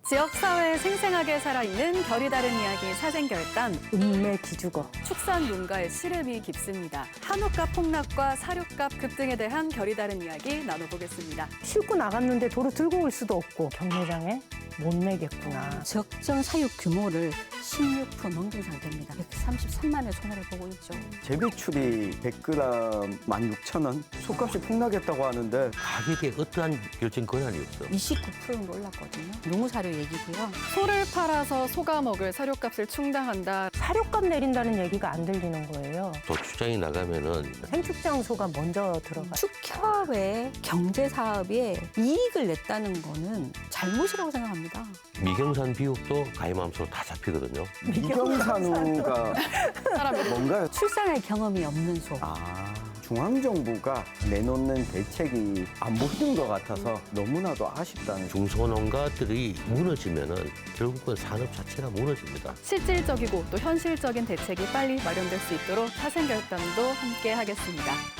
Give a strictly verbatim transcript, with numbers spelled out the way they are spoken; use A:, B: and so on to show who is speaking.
A: 지역사회에 생생하게 살아있는 결이 다른 이야기 사생결단.
B: 읍내 기죽어.
A: 축산 농가의 시름이 깊습니다. 한우값 폭락과 사료값 급등에 대한 결이 다른 이야기 나눠보겠습니다.
B: 싣고 나갔는데 도로 들고 올 수도 없고 경매장에 못 내겠구나.
C: 적정 사육 규모를 십육 퍼센트 넘긴 상태입니다. 백삼십삼만의 손해를 보고 있죠.
D: 재배출이 백 그램 만 육천 원, 소값이 폭락했다고 하는데
E: 가격에 어떠한 결정 권한이 없어.
C: 이십구 퍼센트 정도 올랐거든요. 농사료 얘기고요.
A: 소를 팔아서 소가 먹을 사료값을 충당한다.
B: 사료값 내린다는 얘기가 안 들리는 거예요.
E: 또 출장이 나가면은
B: 생축장 소가 먼저 들어가.
C: 축협의 경제사업에 이익을 냈다는 거는 잘못이라고 생각합니다.
E: 미경산 비육도 가임함수로 다 잡히거든요.
D: 미경산우가 뭔가요?
C: 출산할 경험이 없는 소.
D: 아, 중앙정부가 내놓는 대책이 안 보이는 것 같아서 너무나도 아쉽다는.
E: 중소농가들이 무너지면은 결국은 산업 자체가 무너집니다.
A: 실질적이고 또 현실적인 대책이 빨리 마련될 수 있도록 사생결단도 함께 하겠습니다.